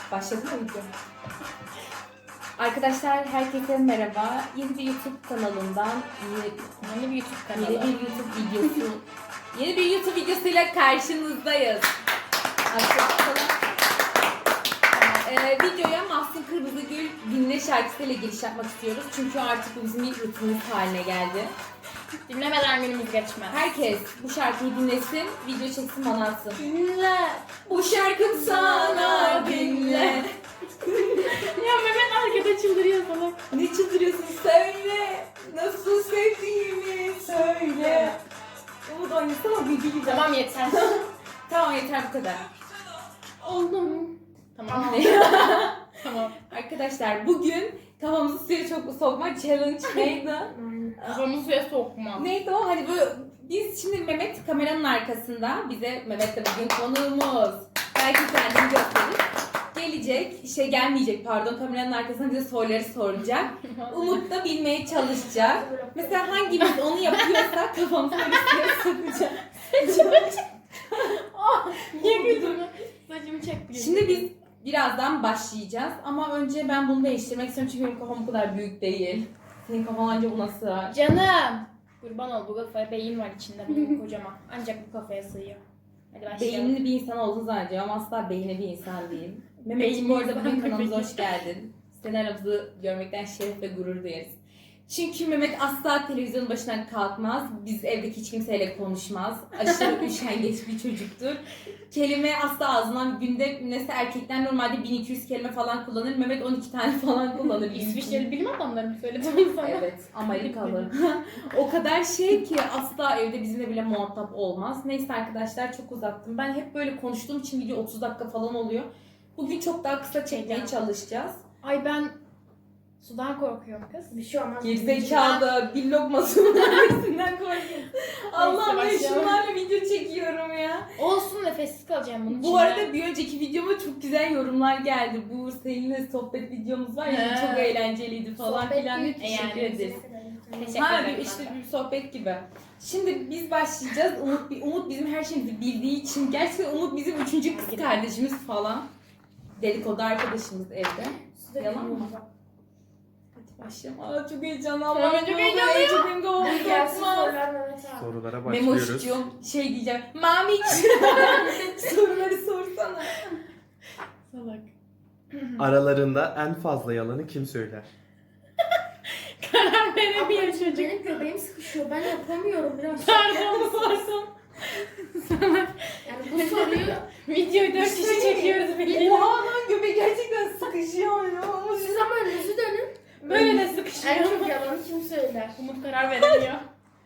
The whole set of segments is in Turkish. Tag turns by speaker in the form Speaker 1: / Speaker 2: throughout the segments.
Speaker 1: Başladı mı video? Arkadaşlar herkese merhaba. Yeni bir YouTube kanalından yeni bir YouTube videosuyla karşınızdayız. Videoya Mahsun Kırmızıgül Dinle şarkısıyla giriş yapmak istiyoruz. Çünkü artık bu bizim bir rutinimiz haline geldi.
Speaker 2: Dinlemeden günümüz geçmez.
Speaker 1: Herkes bu şarkıyı dinlesin, video çeksin, bana atsın.
Speaker 2: Dinle.
Speaker 1: Bu şarkım sana dinle.
Speaker 2: Ya Mehmet arkada çıldırıyor sana.
Speaker 1: Ne çıldırıyorsun? Söyle. Nasıl sevdiğimi söyle. Umut oynasana bilgi gibi.
Speaker 2: Tamam yeter.
Speaker 1: Tamam yeter bu kadar.
Speaker 2: Oldu mu? Tamam. Tamam.
Speaker 1: Arkadaşlar bugün kafamızı suya çok sokma challenge neydi?
Speaker 2: Kafamı suya sokma.
Speaker 1: Neydi o? Hani böyle biz şimdi Mehmet kameranın arkasında. Mehmet de bugün konuğumuz. Belki kendini gösterir. Gelmeyecek pardon, kameranın arkasında bize soruları soracak. Umut da bilmeye çalışacak. Mesela hangimiz onu yapıyorsa kafamızı öyle suya sokacak.
Speaker 2: Niye güldün? Saçımı çekti.
Speaker 1: Şimdi biz birazdan başlayacağız ama önce ben bunu değiştirmek istiyorum çünkü benim kafam bu kadar büyük değil. Senin kafan anca buna sığar.
Speaker 2: Canım. Kurban ol, bu kafaya beyin var içinde benim kocaman. Ancak bu kafaya sığıyor. Hadi başlayalım.
Speaker 1: Beyinli bir insan olduğunu zannediyorum ama asla beyinli bir insan değil. Mehmetciğim bu arada bugün kanalımıza hoş geldin. Seni aramızda görmekten şeref ve gurur duyarız. Çünkü Mehmet asla televizyonun başından kalkmaz. Biz evdeki hiç kimseyle konuşmaz. Aşırı üşengeç bir çocuktur. Kelime asla ağzından günde mesela erkekler normalde 1200 kelime falan kullanır. Mehmet 12 tane falan kullanır.
Speaker 2: İsviçreli bilim adamları mı söyledi sana?
Speaker 1: Evet, Amerikalı. O kadar şey ki asla evde bizimle bile muhatap olmaz. Neyse arkadaşlar, çok uzattım. Ben hep böyle konuştuğum için video 30 dakika falan oluyor. Bugün çok daha kısa çekmeye çalışacağız.
Speaker 2: Ay ben sudan korkuyorum kız.
Speaker 3: Bir şey olmaz.
Speaker 1: Gerizekalı, bir lokmasının vermesinden korkuyorum. Allah'ım ben
Speaker 2: başlayalım.
Speaker 1: şunlarla video çekiyorum ya.
Speaker 2: Olsun, nefessiz kalacağım bunun için.
Speaker 1: Bu arada bir önceki videoma çok güzel yorumlar geldi. Bu seninle sohbet videomuz var ya,
Speaker 2: He.
Speaker 1: çok eğlenceliydi falan
Speaker 3: Sohbet
Speaker 1: filan.
Speaker 3: değil,
Speaker 1: Teşekkür
Speaker 2: yani.
Speaker 1: ederiz.
Speaker 2: Teşekkür
Speaker 1: Ha
Speaker 2: ederim.
Speaker 1: işte bir sohbet gibi. Şimdi biz başlayacağız. Umut bizim her şeyimizi bildiği için gerçekten Umut bizim 3. kız kardeşimiz falan. Dedikodu arkadaşımız evde. Yalan mı? Hadi başlayalım. Aa çok heyecanlı.
Speaker 2: Ben çok heyecanlıyım.
Speaker 1: Çok benim kafamı
Speaker 3: Gelsin
Speaker 1: sokmaz.
Speaker 3: sorular Mehmet abi.
Speaker 4: Sorulara başlıyoruz.
Speaker 1: Memoşcuğum şey diyeceğim. Mamiç. Soruları sorsana.
Speaker 2: Salak.
Speaker 4: Aralarında en fazla yalanı kim söyler?
Speaker 2: Karar veremiyor çocuk.
Speaker 3: Benim göbeğim sıkışıyor. Ben yapamıyorum biraz.
Speaker 2: Pardon.
Speaker 3: Yani bu soruyu
Speaker 2: Videoyu 4 kişi çekiyoruz birlikte.
Speaker 1: Oha lan göbek gerçekten sıkışıyor ya.
Speaker 3: siz ama önünüzü dönün.
Speaker 2: Böyle de
Speaker 3: En
Speaker 2: sıkışıyor.
Speaker 3: çok yalanı kim söyler?
Speaker 2: Umut karar veremiyor.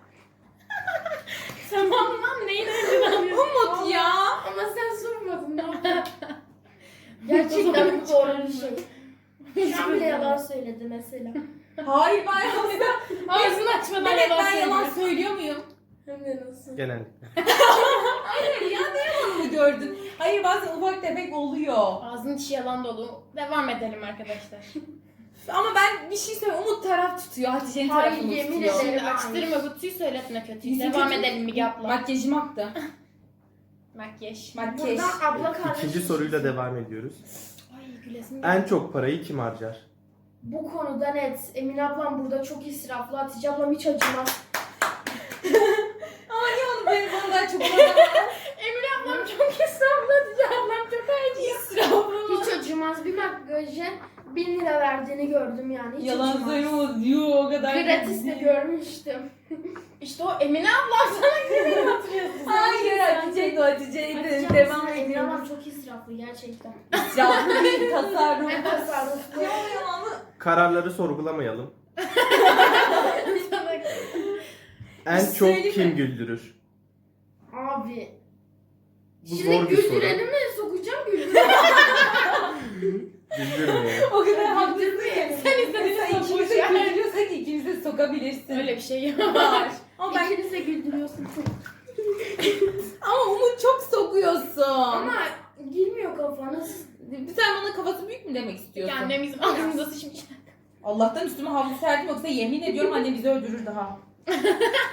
Speaker 2: Tamam lan, neyin önceden alıyorsun?
Speaker 1: Umut ya.
Speaker 3: Ama sen sormadın. Ne yapayım? Gerçekten bu doğru bir şey. Şu an bile yalan söyledi mesela.
Speaker 1: Hayır ben aslında.
Speaker 2: Ağzını açmadan
Speaker 1: Evet
Speaker 2: yalan
Speaker 1: ben yalan
Speaker 2: söylüyor.
Speaker 1: söylüyor muyum?
Speaker 3: Hem de nasıl?
Speaker 4: Genellikle.
Speaker 1: Hayır ya ne yalanını gördün? Hayır bazen ufak tefek oluyor.
Speaker 2: Ağzının içi yalan dolu. Devam edelim arkadaşlar.
Speaker 1: Ama ben bir şey söyleyeyim. Umut taraf tutuyor. Hatice'nin
Speaker 3: Hayır,
Speaker 1: tarafını
Speaker 3: yemin
Speaker 1: tutuyor.
Speaker 3: ederim.
Speaker 2: Şimdi açtırma kutuyu, söyletme kötüyü.
Speaker 1: Yüzü
Speaker 2: Devam
Speaker 1: kötü.
Speaker 2: edelim Müge abla.
Speaker 1: Makyajım aktı.
Speaker 2: Makyaj.
Speaker 1: Makyaj.
Speaker 3: Buradan abla kardeş.
Speaker 4: İkinci soruyla devam ediyoruz.
Speaker 2: Ay gülesim
Speaker 4: En
Speaker 2: geldi.
Speaker 4: çok parayı kim harcar?
Speaker 3: Bu konuda net. Emine ablam burada çok israflı. Hatice ablam hiç acımaz.
Speaker 1: Ama niye onu benim ondan çok
Speaker 2: Emine ablam çok israflı, Hatice ablam çok acıyor.
Speaker 1: israflı.
Speaker 3: Hiç acımaz. Bir makyaja 1000 lira verdiğini gördüm yani. Hiç
Speaker 1: Yalan
Speaker 3: acımaz.
Speaker 1: söylüyoruz. Yuh o kadar.
Speaker 3: Gratis'te görmüştüm.
Speaker 2: İşte o Emine ablam sana gibi hatırlıyorsun.
Speaker 1: Hayır Hatice'ydi o Hatice'ydi.
Speaker 3: Hatice
Speaker 1: Devam
Speaker 3: ablam, Emine
Speaker 1: ediyoruz.
Speaker 3: ablam çok israflı gerçekten.
Speaker 1: İsraflı değil, tasarruf.
Speaker 3: En tasarruflu.
Speaker 1: Yalanı.
Speaker 4: Kararları sorgulamayalım.
Speaker 2: Sana
Speaker 4: En
Speaker 1: şey
Speaker 4: çok
Speaker 1: söyleyeyim
Speaker 4: kim
Speaker 1: mi?
Speaker 4: güldürür?
Speaker 3: Abi.
Speaker 4: Bu
Speaker 3: Şimdi
Speaker 4: zor bir soru.
Speaker 3: güldürelim mi? Sokacağım güldürelim.
Speaker 4: Güldürmeyelim.
Speaker 1: O kadar haklısın ki.
Speaker 2: Sen istediğini
Speaker 1: Mesela
Speaker 2: sok,
Speaker 1: ikimiz
Speaker 2: boş
Speaker 1: de
Speaker 2: ver.
Speaker 1: güldürüyorsak ikimiz de sokabilirsin.
Speaker 2: öyle bir şey yok.
Speaker 1: Var. Ama ben
Speaker 3: İkiniz de güldürüyorsun çok.
Speaker 1: ama Umut çok sokuyorsun.
Speaker 3: Ama girmiyor kafanız.
Speaker 1: Sen bana kafası büyük mü demek istiyorsun?
Speaker 2: Annem bizim ağzımıza sıçmış.
Speaker 1: Allah'tan üstüme havlu serdim yoksa yemin ediyorum annem bizi öldürür daha.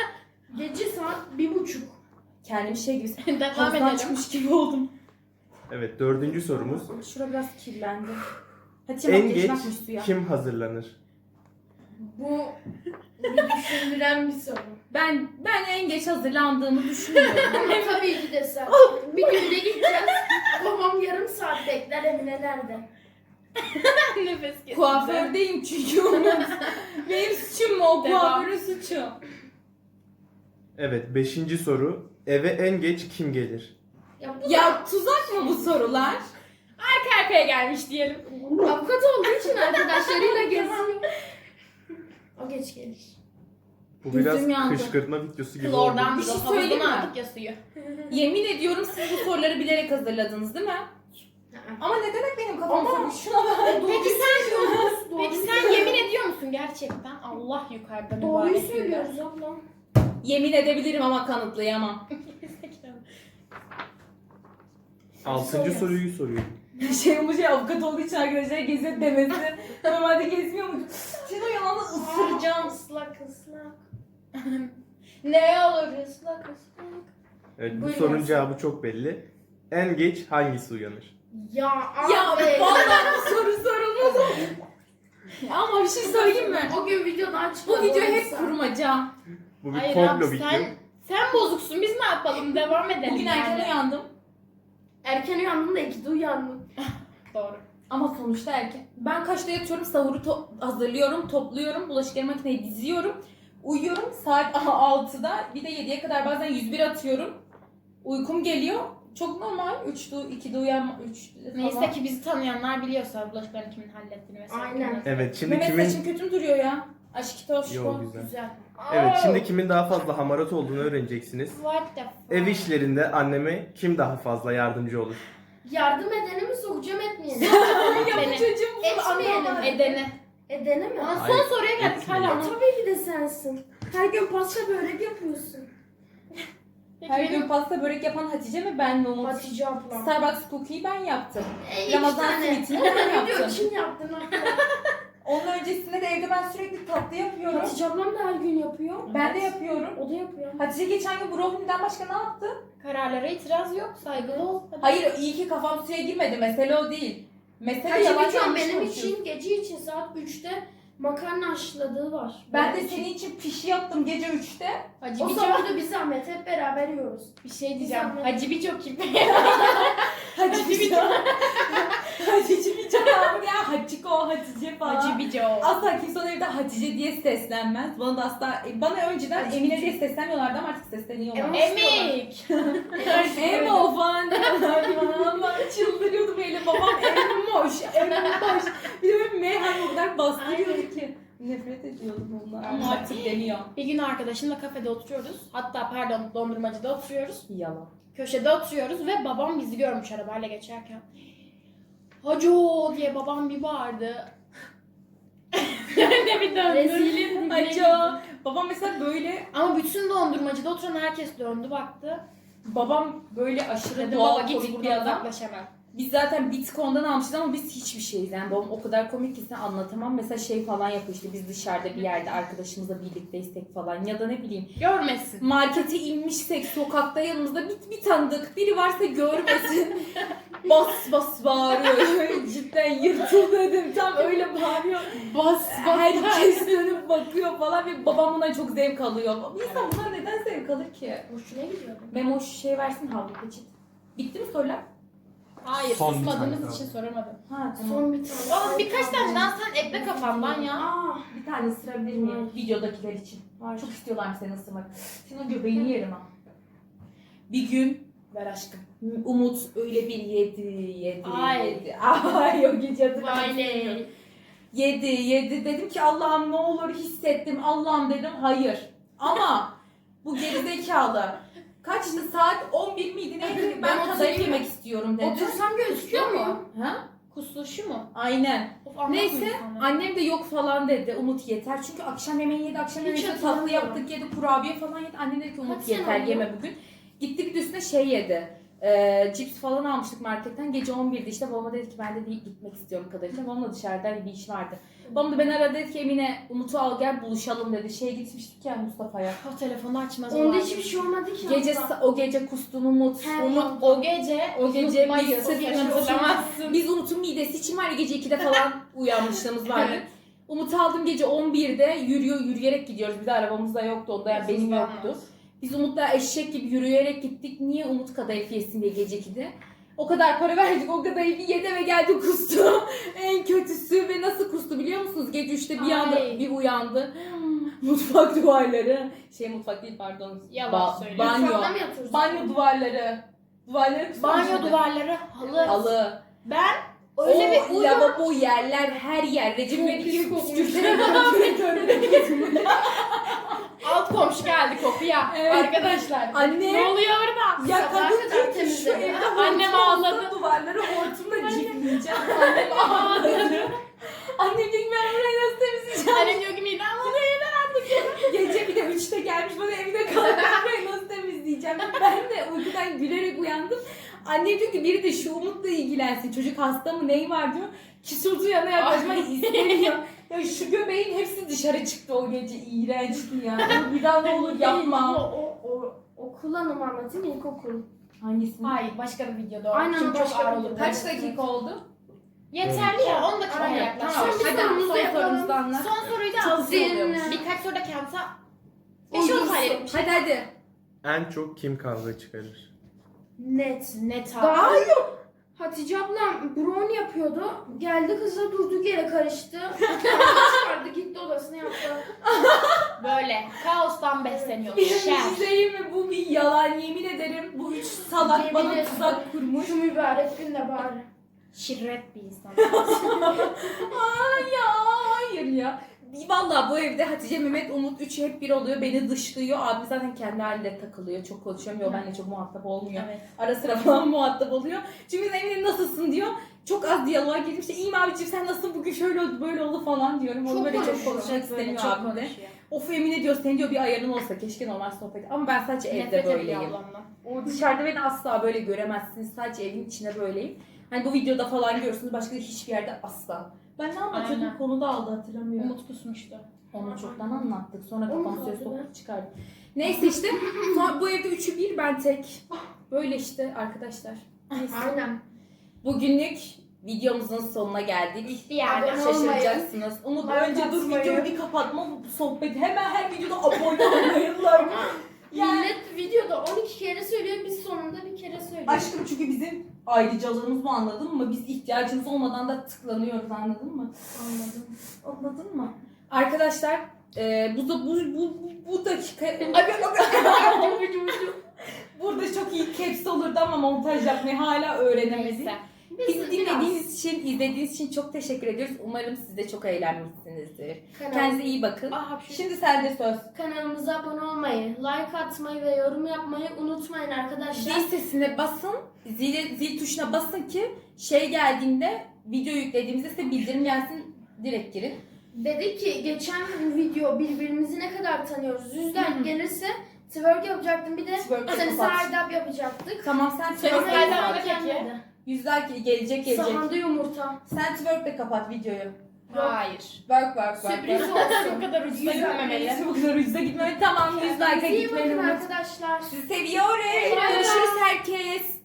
Speaker 3: Gece saat 1:30.
Speaker 1: Kendimi şey gibi
Speaker 2: Devam
Speaker 1: havuzdan
Speaker 2: edelim.
Speaker 1: çıkmış gibi oldum.
Speaker 4: Evet, 4. sorumuz.
Speaker 1: Şura biraz kirlendi. Hatice
Speaker 4: En
Speaker 1: makyaj
Speaker 4: geç
Speaker 1: bakmış suya.
Speaker 4: kim hazırlanır?
Speaker 3: Bu bir düşündüren bir soru.
Speaker 1: Ben en geç hazırlandığımı düşünüyorum.
Speaker 3: Ama tabii ki de sen. Bir günde gideceğiz. Babam yarım saat bekler, Emine nerede?
Speaker 2: Nefes kesildi.
Speaker 1: Kuafördeyim çünkü Umut. Benim suçum mu o?
Speaker 2: Devam.
Speaker 1: Kuaförün suçu.
Speaker 4: Evet, 5. soru. Eve en geç kim gelir?
Speaker 3: Ya,
Speaker 1: Ya tuzak mı bu sorular?
Speaker 2: Arka arkaya gelmiş diyelim.
Speaker 3: avukat olduğu için arkadaşlarıyla geziyor. O geç gelir.
Speaker 4: Bu
Speaker 1: Gözüm
Speaker 4: biraz
Speaker 1: yandı.
Speaker 4: kışkırtma videosu gibi
Speaker 2: Klordan
Speaker 4: oldu.
Speaker 1: Bir şey
Speaker 2: biz
Speaker 1: söyleyeyim mi?
Speaker 2: aldık ya suyu.
Speaker 1: Yemin ediyorum siz bu soruları bilerek hazırladınız değil mi? Ama ne demek benim kafam
Speaker 3: Ama-
Speaker 1: soruyor? Şuna bak.
Speaker 2: Peki sen yemin ediyor musun gerçekten? Allah yukarıda
Speaker 3: Doğruyu
Speaker 2: mübarek
Speaker 3: söylüyoruz abla.
Speaker 1: Yemin edebilirim ama kanıtlayamam.
Speaker 4: 6. soruyu soruyorum.
Speaker 1: Bu avukat olduğu için arkadaşlar geziyor demesi. Normalde gezmiyor mu? Sen o yalanı ısıracağım.
Speaker 3: Islak ıslak.
Speaker 2: Ne olur ıslak ıslak.
Speaker 4: Evet, bu
Speaker 3: Buyurun.
Speaker 4: sorunun cevabı çok belli. En geç hangisi uyanır?
Speaker 3: Ya
Speaker 1: Ya
Speaker 3: abi.
Speaker 1: vallahi bu soru sorulmaz. Ama bir şey söyleyeyim mi?
Speaker 3: O gün videodan çıkan
Speaker 1: Bu video hep
Speaker 3: oysa.
Speaker 1: kurmaca.
Speaker 4: Bu bir
Speaker 2: Hayır
Speaker 4: komplo
Speaker 2: abi
Speaker 4: video.
Speaker 2: sen bozuksun, biz ne yapalım, devam edelim.
Speaker 1: Bugün
Speaker 2: yani.
Speaker 1: erken uyandım.
Speaker 3: Erken uyandım da 2'de uyandım.
Speaker 2: Doğru.
Speaker 1: Ama sonuçta erken. Ben kaçta yatıyorum? Sahuru hazırlıyorum, topluyorum, bulaşıkları makineye diziyorum. Uyuyorum saat 6'da. Bir de 7'ye kadar bazen 101 atıyorum. Uykum geliyor. Çok normal. 2'de uyanma. 3
Speaker 2: Neyse ki bizi tanıyanlar biliyorsa bulaşıklarını kimin hallettiğini mesela.
Speaker 3: Aynen.
Speaker 4: Evet, şimdi
Speaker 1: Mehmet
Speaker 4: kimin...
Speaker 1: saçın kötü mü duruyor ya? Aşkı
Speaker 4: Yo,
Speaker 1: toşko.
Speaker 4: güzel.
Speaker 3: Güzel.
Speaker 4: Evet, şimdi kimin daha fazla hamarat olduğunu öğreneceksiniz.
Speaker 2: What the fuck?
Speaker 4: Ev işlerinde anneme kim daha fazla yardımcı olur?
Speaker 3: Yardım edeni mi sokacağım etmeyeni?
Speaker 1: Ya bu
Speaker 2: Beni.
Speaker 1: çocuğum bunu
Speaker 3: Etmeyelim.
Speaker 1: anlamadı.
Speaker 2: Edeni.
Speaker 3: Edeni mi?
Speaker 2: Ama
Speaker 4: Hayır,
Speaker 2: son soruya geldik
Speaker 4: etmiyor.
Speaker 2: hala.
Speaker 3: Tabii ki de sensin. Her gün pasta börek yapıyorsun.
Speaker 2: Peki
Speaker 1: Her
Speaker 2: benim-
Speaker 1: gün pasta börek yapan Hatice mi ben mi Umut?
Speaker 3: Hatice ablam.
Speaker 1: Starbucks cookie'yi ben yaptım.
Speaker 3: İki
Speaker 1: Ramazan
Speaker 3: tane.
Speaker 1: simitini ben
Speaker 3: Video
Speaker 1: yaptım.
Speaker 3: için yaptın abla.
Speaker 1: Onun öncesinde de evde ben sürekli tatlı yapıyorum.
Speaker 3: Hatice ablam da her gün yapıyor.
Speaker 1: Ben de yapıyorum.
Speaker 3: O da yapıyor.
Speaker 1: Hatice geçen gün brownie'den başka ne yaptı?
Speaker 2: Kararlara itiraz yok, saygılı ol. Hadi.
Speaker 1: Hayır iyi ki kafam suya girmedi. Mesele o değil. Mesele
Speaker 3: Hatice
Speaker 1: yalan
Speaker 3: Bican
Speaker 1: yanlış
Speaker 3: benim
Speaker 1: konuşuyorsun.
Speaker 3: için gece için saat 3'te makarna haşladığı var.
Speaker 1: Ben de
Speaker 3: Benim için.
Speaker 1: senin için pişi yaptım gece 3'te.
Speaker 2: Hacı
Speaker 3: O
Speaker 2: Bico,
Speaker 3: sabah da bir zahmet hep beraber yiyoruz.
Speaker 2: bir şey diyeceğim.
Speaker 3: Zahmet.
Speaker 2: Hacı Bico kim?
Speaker 1: Hatice Bico. Hatice Bico abi ya. Haciko, Hatice falan.
Speaker 2: Hacı Bico.
Speaker 1: Asla kimse ona evde Hatice diye seslenmez. Bana da asla, bana önceden
Speaker 3: Hatice
Speaker 1: Emine
Speaker 3: Bico.
Speaker 1: diye seslenmiyorlardı ama artık sesleniyorlar.
Speaker 2: Emik.
Speaker 1: Emo falan diyorlar. Allah'ım çıldırıyordum öyle. Babam Emoş, Emoş. Bir de böyle M harfi o kadar bastırıyordu ki. Nefret ediyordum ondan ama artık deniyor.
Speaker 2: Bir gün arkadaşımla kafede oturuyoruz. Hatta pardon dondurmacıda oturuyoruz.
Speaker 1: Yalan.
Speaker 2: Köşede oturuyoruz ve babam bizi görmüş arabayla geçerken. Haco diye babam bir bağırdı. Ne bir döndü.
Speaker 3: Rezilim.
Speaker 1: Haco. Babam mesela böyle,
Speaker 2: Ama bütün dondurmacıda oturan herkes döndü baktı.
Speaker 1: babam böyle aşırı
Speaker 2: Dedim
Speaker 1: doğal
Speaker 2: baba git
Speaker 1: komik bir
Speaker 2: buradan
Speaker 1: adam.
Speaker 2: uzaklaş hemen.
Speaker 1: Biz zaten Bitcoin'dan almışız ama biz hiçbir şeyiz. Yani babam o kadar komik ki size anlatamam. Mesela şey falan yapıyor işte biz dışarıda bir yerde arkadaşımızla birlikteysek falan ya da ne bileyim
Speaker 2: Görmesin.
Speaker 1: markete inmişsek sokakta yanımızda bir tanıdık biri varsa görmesin. Bas bas bağırıyor. Cidden yırtıldım tam öyle bağırıyor.
Speaker 2: Bas
Speaker 1: Herkes dönüp bakıyor falan ve babam buna çok zevk alıyor. İnsan buna neden zevk alır ki?
Speaker 3: Hoşuna gidiyor.
Speaker 1: Memo şu şey versin havlu peçet. Bitti mi sorular?
Speaker 2: Hayır
Speaker 4: Son bir
Speaker 2: susmadığımız
Speaker 4: tane
Speaker 2: için soramadım.
Speaker 1: Ha tamam.
Speaker 3: Son bir tane.
Speaker 2: Oğlum birkaç tane daha sen ekle kafamdan ya.
Speaker 3: Aa,
Speaker 1: Bir tane ısırabilir miyim? Videodakiler için. Çok istiyorlar seni ısırmak. Senin o göbeğini yerim ha. Bir gün
Speaker 2: Ver aşkım.
Speaker 1: Umut öyle bir yedi.
Speaker 2: Ay.
Speaker 1: Ay o gece hatırlamıyorum.
Speaker 2: Vay.
Speaker 1: Yedi. Dedim ki Allah'ım ne olur hissettim. Allah'ım dedim hayır. Ama bu gerizekalı. Kaçtı saat 11 miydi neydi? Ben kadayıf
Speaker 2: oturayım
Speaker 1: yemek istiyorum dedi.
Speaker 3: otursam gözüküyor mu?
Speaker 1: Ha?
Speaker 2: Kusuşu mu?
Speaker 1: Aynen.
Speaker 2: Of, anlatmayın
Speaker 1: Neyse
Speaker 2: sana.
Speaker 1: annem de yok falan dedi. Umut yeter. Çünkü akşam yemeği yedi. Akşam
Speaker 3: Hiç
Speaker 1: yemeği tatlı
Speaker 3: hatırlamıyorum.
Speaker 1: yaptık yedi. Kurabiye falan yedi. Annem dedi ki Umut
Speaker 3: Kaç sene
Speaker 1: yeter
Speaker 3: oldu?
Speaker 1: yeme bugün. Gitti bir de üstüne şey yedi. Cips falan almıştık marketten. Gece 11'de işte babama dedi ki ben de gitmek istiyorum kadarıyla. Babamla dışarıda bir iş vardı. Babam da beni aradı dedi ki Emine Umut'u al gel buluşalım dedi. Şeye gitmiştik ya Mustafa'ya.
Speaker 2: O telefonu açmaz.
Speaker 3: Onda hiçbir şey olmadı ki.
Speaker 1: Gece
Speaker 3: abla.
Speaker 1: o gece kustun Umut.
Speaker 2: Umut o gece
Speaker 1: biz sırf
Speaker 2: hatırlamazsın.
Speaker 1: biz Umut'un midesi için var ya gece 2'de falan uyanmışlığımız vardı.
Speaker 2: Evet.
Speaker 1: Umut'u aldım gece 11'de yürüyerek gidiyoruz. Bir de arabamız da yoktu onda yani benim yoktu. Biz Umut'la eşek gibi yürüyerek gittik. Niye Umut kadayıf yesin diye gece 2'de. O kadar para verdik o kadayıfı yedi ve geldi kustu. En kötüsü ve nasıl kustu biliyor musunuz? Gece 3'te bir anda
Speaker 2: Ay.
Speaker 1: bir uyandı. Mutfak duvarları. Mutfak değil pardon.
Speaker 2: Yalan söylüyor.
Speaker 1: Banyo.
Speaker 3: Mutfakta mı yatıyoruz?
Speaker 1: Banyo duvarları. Duvarları kusmuş.
Speaker 2: Banyo duvarları halı.
Speaker 1: Halı.
Speaker 2: Ben
Speaker 3: Öyle bir
Speaker 1: O lavabo yerler her yer. Recep İvedik gibi
Speaker 3: kokmuş.
Speaker 1: püskürterek böyle.
Speaker 2: alt komşu geldi kokuya.
Speaker 1: Evet.
Speaker 2: Arkadaşlar.
Speaker 1: Anne.
Speaker 2: Ne oluyor orada?
Speaker 1: Ya
Speaker 3: Sabaha
Speaker 1: kadın
Speaker 3: kadar
Speaker 1: diyor ki şu
Speaker 3: temizledi.
Speaker 1: evde
Speaker 2: Annem
Speaker 1: hortum olsa
Speaker 2: ağladı.
Speaker 1: duvarları hortumla cipleyeceğim. Annem ağladı. Annem diyor ki ben burayı nasıl temizleyeceğim?
Speaker 2: Annem diyor ki midem oluyor.
Speaker 1: Gece bir de 3'te gelmiş bana evde kalıp ben burayı nasıl temizleyeceğim? Ben de uykudan gülerek uyandım. Annem diyor ki biri de şu Umut'la ilgilensin. Çocuk hasta mı neyi var diyor. Kisurdu yana yaklaşmak istemiyor. Ya şu göbeğin hepsi dışarı çıktı o gece. İğrençti ya. Bir daha ne olur yapma.
Speaker 3: Okul anımı anlatayım ilkokul.
Speaker 1: Hangisi?
Speaker 2: Hayır başka bir videoda o.
Speaker 3: Aynen,
Speaker 2: Çünkü
Speaker 3: başka
Speaker 2: çok ağır
Speaker 3: bir
Speaker 2: olur.
Speaker 3: videoda.
Speaker 1: Kaç dakika oldu?
Speaker 2: Yeterli ya 10 dakika
Speaker 3: Aynen.
Speaker 2: yaklaş.
Speaker 1: Tamam.
Speaker 3: Son bir
Speaker 1: Hadi
Speaker 3: sorumuzu
Speaker 1: son
Speaker 3: yapalım.
Speaker 1: sorumuzu anlat.
Speaker 2: Son soruyu da
Speaker 1: Çok
Speaker 2: alsın.
Speaker 1: iyi oluyormuş.
Speaker 2: Birkaç soruda kendisi
Speaker 3: Uygunsun.
Speaker 2: 5-10 saniyelik bir şey.
Speaker 1: Hadi.
Speaker 4: En çok kim kavga çıkarır?
Speaker 3: Net.
Speaker 2: Net abi.
Speaker 3: Daha yok. Hatice ablam brownie yapıyordu. Geldi kızla durduk yere karıştı. Çıkardı gitti odasına yaptı.
Speaker 2: Böyle kaostan besleniyor.
Speaker 1: Bir
Speaker 2: Şer.
Speaker 1: şey mi? Bu bir yalan yemin ederim. Bu üç salak
Speaker 3: Yemin
Speaker 1: bana
Speaker 3: ederim.
Speaker 1: tuzak kurmuş.
Speaker 3: Şu mübarek günde bari.
Speaker 2: Şirret bir insan.
Speaker 1: Ay ya hayır ya. Vallahi bu evde Hatice, Mehmet, Umut üçü hep bir oluyor. Beni dışlıyor. Abi zaten kendi halinde takılıyor. Çok konuşamıyor. Benimle çok muhatap olmuyor.
Speaker 2: Evet.
Speaker 1: Ara sıra falan muhatap oluyor. Çünkü Emine nasılsın diyor. Çok az diyaloğa girdim. İşte iyiyim abiciğim sen nasılsın bugün şöyle oldu böyle oldu falan diyorum. Onu böyle çok
Speaker 3: konuşuyor.
Speaker 1: konuşmak istemiyor
Speaker 2: çok
Speaker 1: abim de.
Speaker 2: konuşuyor.
Speaker 1: Of Emine diyor senin diyor bir ayarın olsa keşke normal sohbet. Ama ben sadece evde
Speaker 2: Nefret ediyor
Speaker 1: böyleyim.
Speaker 2: ablamdan.
Speaker 1: O dışarıda beni asla böyle göremezsiniz. Sadece evin içinde böyleyim. Hani bu videoda falan görürsünüz. Başka hiçbir yerde asla. Ben ne anlatıyordum?
Speaker 2: Aynen.
Speaker 1: Konuda aldı hatırlamıyorum.
Speaker 2: Umut kusmuştu.
Speaker 1: Onu çoktan anlattık. Sonra
Speaker 3: Umut
Speaker 1: kafam söz
Speaker 3: aldı
Speaker 1: sokup çıkardım. Neyse işte. Sonra bu evde üçü bir ben tek. Böyle işte arkadaşlar. Neyse.
Speaker 3: Aynen.
Speaker 1: Bugünlük videomuzun sonuna geldik.
Speaker 2: Bitti yani.
Speaker 3: Abone olmayı,
Speaker 1: Şaşıracaksınız. Umut
Speaker 3: like
Speaker 1: önce dur
Speaker 3: atmayı.
Speaker 1: videoyu bir kapatma bu sohbeti. Hemen her videoda abone olmayın. Like. Yani
Speaker 3: Millet videoda 12 kere söylüyor, biz sonunda bir kere söylüyoruz.
Speaker 1: aşkım çünkü bizim ayrıcalığımız bu anladın mı? Biz ihtiyacımız olmadan da tıklanıyoruz anladın mı?
Speaker 3: Anladım.
Speaker 1: Anladın mı? Arkadaşlar bu dakika burada çok iyi caps olurdu ama montaj yapmayı hala öğrenemedik.
Speaker 2: Neyse.
Speaker 1: Bizi dinlediğiniz için, izlediğiniz için çok teşekkür ediyoruz. Umarım siz de çok eğlenmişsinizdir. Kendinize iyi bakın. Şimdi sende söz.
Speaker 3: Kanalımıza abone olmayı, like atmayı ve yorum yapmayı unutmayın arkadaşlar.
Speaker 1: Zil sesine basın, zil tuşuna basın ki şey geldiğinde, video yüklediğimizde size bildirim gelsin, direkt girin.
Speaker 3: Dedik ki geçen video birbirimizi ne kadar tanıyoruz. 100 like gelirse twerk yapacaktım. Bir de
Speaker 1: Twerk
Speaker 3: seni
Speaker 1: kapat.
Speaker 3: serdap yapacaktık.
Speaker 1: Tamam sen
Speaker 2: Sen
Speaker 1: twerk'le
Speaker 2: Serdap
Speaker 1: kapat.
Speaker 2: peki?
Speaker 3: Gelmedi.
Speaker 1: Yüzler gelecek.
Speaker 3: Sahanda yumurta.
Speaker 1: Sen twerk'le kapat videoyu.
Speaker 2: Hayır.
Speaker 1: Work.
Speaker 3: Sürpriz
Speaker 2: Bu
Speaker 3: olsun.
Speaker 2: kadar ucuza gitmemeli.
Speaker 1: Bu kadar ucuza gitmemeli. Tamam 100 like'a
Speaker 3: İyi
Speaker 1: gitmeli.
Speaker 3: bakın arkadaşlar.
Speaker 1: Sizi seviyoruz.
Speaker 3: Bay bay.
Speaker 1: Görüşürüz herkes.